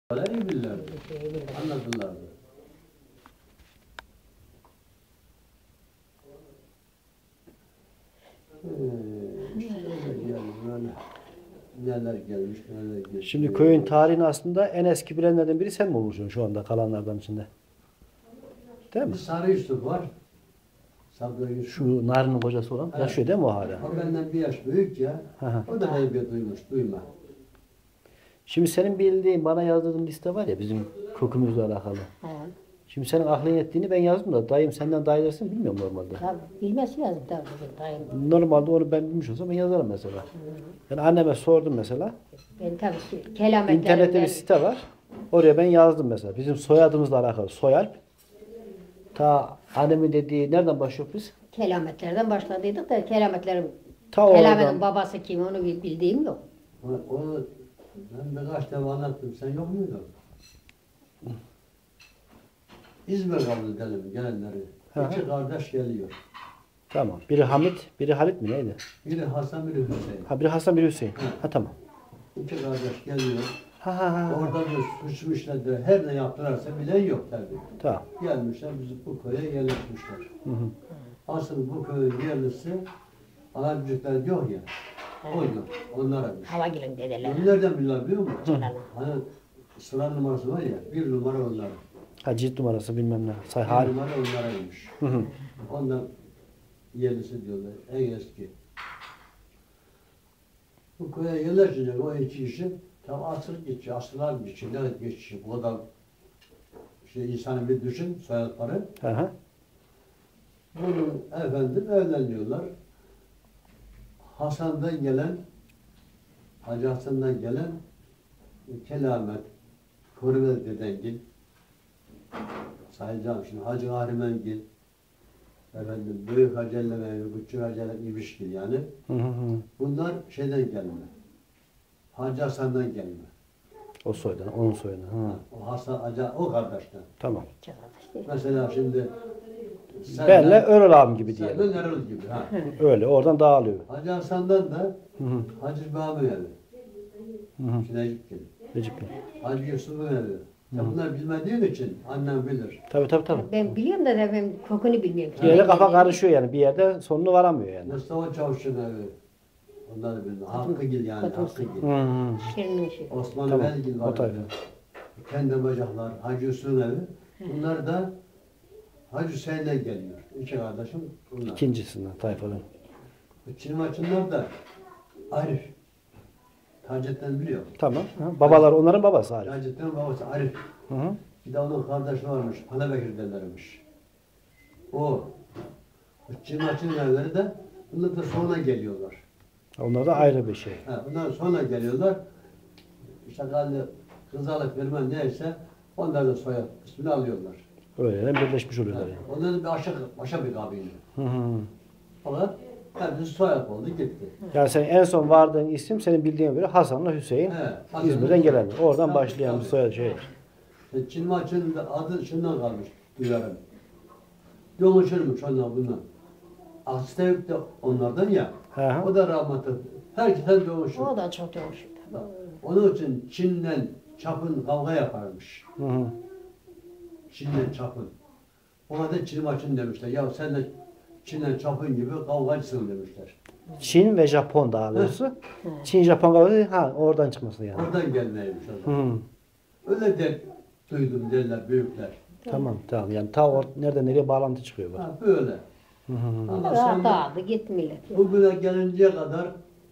İyi bilirlerdi. Anlatırlardı. Neler gelmiş, neler geçmiş. Şimdi köyün tarihini aslında en eski bilenlerden biri sen mi olursun şu anda kalanlardan içinde? Değil mi? Bir Sarı Yusuf var. Sabri Yusuf. Şu Narin'in kocası olan Evet. yaşıyor değil mi o hala? O benden bir yaş büyük ya. Hı hı. O da heybet duymuş, duyma. Şimdi senin bildiğin bana yazdığın liste var ya bizim kökümüzle alakalı. Ha, Şimdi senin aklın ettiğini ben yazdım da dayım senden daha ilerisini bilmiyorum normalde. tabii bilmesi lazım tabii bizim dayım. Normalde onu ben bilmiş olsam ben yazarım mesela. Ben anneme sordum mesela. Ben tabii kelametlerimden. İnternette bir site var. Oraya ben yazdım mesela. Bizim soyadımızla alakalı. Soyalp. Ta annemin dediği nereden başlıyor biz? Kelametlerden başladıydık da kelametlerin Ta kelametin oradan. babası kim onu bildiğim yok. Onu ben birkaç defa anlattım. Sen yok muydun? İzmir kabul edelim gelenleri. Hı hı. İki kardeş geliyor. Tamam. Biri Hamit, biri Halit mi neydi? Biri Hasan, biri Hüseyin. Ha biri Hasan, biri Hüseyin. Hı. Ha tamam. İki kardeş geliyor. Ha ha ha. Orada bir suç işlediler. Her ne yaptılarsa bilen yok tabii. Tamam. Gelmişler bizi bu köye yerleşmişler. Hı hı. Asıl bu köyün yerlisi Alacıklar diyor ya. Oydu. Onlaraymış. Havagil'in dedeleri. Onu nereden biliyor biliyor musun? Celal. Hani sıra numarası var ya. Bir numara onların. Ha cilt numarası bilmem ne. Say Bir hal. numara onlaraymış. Hı hı. Ondan yerlisi diyorlar. En eski. Bu köye yerleşecek o iki kişi tam asır geçiyor. Asırlar geçiyor. Ne geçiyor? Bu kadar insanı bir düşün soyadları. Hı hı. Bunun efendim evleniyorlar. Hasan'dan gelen, Hacı Hasan'dan gelen kelamet, Korumel Dedengil, sayacağım şimdi Hacı Ahrimengil, efendim Büyük Hacı Ellemevi, Küçük Hacı İbişgil yani. Hı hı hı. Bunlar şeyden gelme. Hacı Hasan'dan gelme. O soydan, onun soyundan. Hı. O Hasan, Hacı, o kardeşten. Tamam. İki kardeş değil. Mesela şimdi Benle Örel abim gibi diyelim. Senden Erol gibi. Ha. Öyle oradan dağılıyor. Hacı Hasan'dan da Hı hı. Hacı Bami evi. Hı hı. Şinecik gibi. Recep Bey. Hacı Yusuf'un evi. Sen bunları bilmediğin için annem bilir. Tabii tabii tabii. Ben biliyorum da ben kokunu bilmiyorum. Bir yere kafa karışıyor yani. Bir yerde sonunu varamıyor yani. Mustafa Çavuş'un evi. Onları bildim. Hakkıgil yani. Kadın. Hakkıgil. Hı hı. Şirin'in şey. Osman Tamam, Belgil o var. tayfa. Kendi bacaklar. Hacı Yusuf'un evi. Bunlar da Hacı Hüseyin'den geliyor. İki kardeşim bunlar. İkincisinden tayfadan. Çin maçınlar da Arif. Taceddin biliyor. Tamam. Hı. Babalar onların babası Arif. Taceddin'in babası Arif. Hı hı. Bir de onun kardeşi varmış. Hanabekir derlermiş. O. Çin maçının evleri de bunlar da sonra geliyorlar. Onlar da ayrı bir şey. Ha, bundan sonra geliyorlar. İşte kızalık bilmem neyse onlar da soyad ismini alıyorlar. Öyle birleşmiş Ha, oluyorlar yani. onların bir başka bir kabile. Hı hı. Fakat hepsi soyad oldu gitti. Yani sen en son vardığın isim senin bildiğin göre Hasan'la Hüseyin. He, Hasan- İzmir'den gelenler. Oradan Tabii, başlayan bir tabii. soyadı şey. Çin maçının da adı şundan kalmış duyarım. Yoluşurmuş onlar bundan. Astayuk da onlardan ya. Hı hı. O da rahmetli. Herkesten yoluşur. O da çok yavaş. Onun için Çin'le Çapın kavga yaparmış. Hı hı. Çin'le Çapın. Ona da Çin maçın demişler. Ya sen de Çin'le Çapın gibi kavgacısın demişler. Çin ve Japon daha doğrusu. Çin Japon kavgası ha oradan çıkması yani. Oradan gelmeymiş o Hı zaman. hı. Öyle de duydum derler büyükler. Tamam tamam yani ta nereden nereye bağlantı çıkıyor bak. Ha böyle. Hı hı. Ama Rahat sonra dağıldı gitti millet. bugüne gelinceye kadar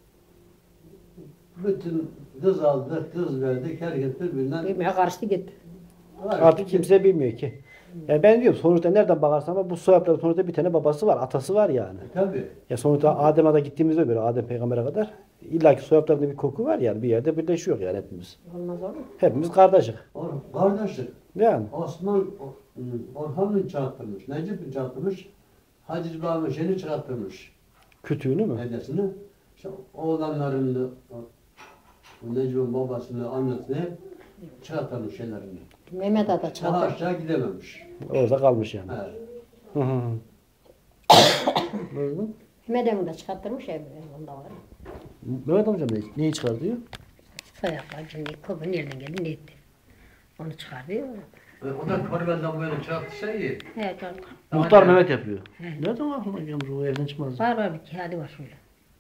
bütün kız aldık, kız verdik, herkes birbirinden Bilmeye karıştı gitti. Artık kimse bilmiyor ki. Yani ben diyorum sonuçta nereden bakarsan ama bu soyadların sonuçta bir tane babası var, atası var yani. Tabii. Ya sonuçta Adem'e de gittiğimizde göre Adem peygambere kadar illaki soyadlarında bir koku var yani bir yerde birleşiyor yani hepimiz. Olmaz olur mu? Hepimiz kardeşik. Kardeşlik. Yani. Orhan'ın çıkarttırmış, Necip'in çıkarttırmış, Hacı Baba'nın şeyini çıkarttırmış, Kütüğünü mü? dedesini. İşte oğlanlarını, o Necip'in babasını, annesini hep çıkarttırmış şeylerini. Mehmet Ada Daha çadır. aşağı gidememiş. Orada kalmış yani. Evet. Hı hı. Buyurun. Mehmet Emin de çıkarttırmış ya. Onda var. Mehmet amcam neyi çıkar diyor? Sayaklar şimdi koku nereden geldi ne etti. Onu çıkarıyor. O da Korbel'den böyle çarptıysa iyi. Evet, doğru. Muhtar Aynen. Mehmet yapıyor. Nereden aklına gelmiş o evden çıkmaz. Var bir kağıdı var şöyle.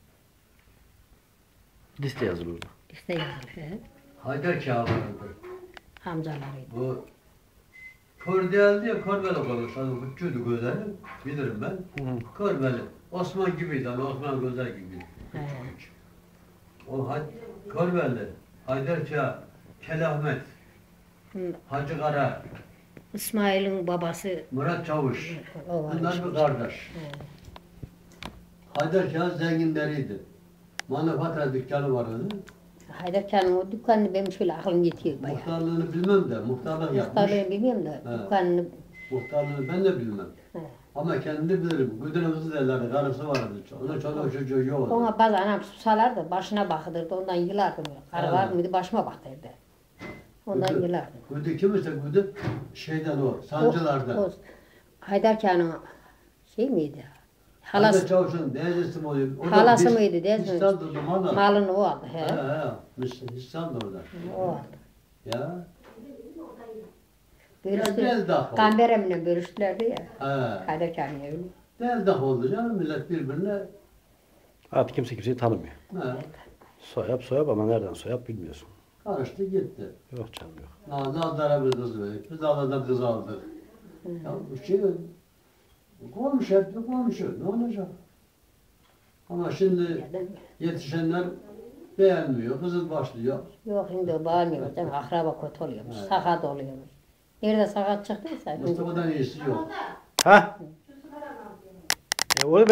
Liste yazılı orada. İşte yazılı. He. Haydar Kağlar'ındır. Amcalarıydı. Bu kör değildi ya Korbel'e kalmış. Hani uçuydu gözleri. Bilirim ben. Hı. Korbel'i. Osman gibiydi. Hani Osman Gözer gibiydi. He. O Korbel'li. Haydar Kağ, Kelahmet, Hı. Hacı Kara, İsmail'in babası Murat Çavuş. o var. Bunlar bir kardeş. He. Haydar Kağ zenginleriydi. Manifatura dükkanı var onun. Haydar Kağan'ın o dükkanını benim şöyle aklım yetiyor bayağı. Muhtarlığını bilmem de muhtarlık yapmış. Muhtarlığı bilmiyorum da He. dükkanını. Muhtarlığını ben de bilmem. He. Ama kendi bilirim. Güdürün kızı derlerdi, karısı vardı. Onun çoluğu çocuğu yoktu. Ona bazı anam susalardı, başına bakılırdı, ondan yılardım. Karı var mıydı, başıma baktırdı. Ondan yılardım. Güdü kimse güdü şeyden o, sancılardan. O Haydar Kağan'ın şey miydi? Haydar Halası, Çavuş'un teyzesi mi oluyor? O da halası mıydı değil mi? İstanbul'da malı. Malını o aldı. He. İstanbul'da orada. O aldı. Ya. Bölüştü. Gel dah. Kamberemle bölüştülerdi ya. He. Haydar Kağan'ın evini. Del dah oldu canım millet birbirine. Artık kimse kimseyi tanımıyor. He. Soyap ama nereden soyap bilmiyorsun. Karıştı gitti. Yok canım yok. Nazlı'ya bir kız verdik. Biz Allah'dan kız aldık. Ya bu şey komşu hep bir komşu. Ne olacak? Ama şimdi Ya değil mi? yetişenler beğenmiyor. Kızıl başlıyor. Yok şimdi o bağırmıyor. Değil mi? Akraba kötü oluyormuş. Evet. Sakat oluyormuş. Nerede sakat çıktıysa. Mustafa'dan iyisi yok. Ha? Onu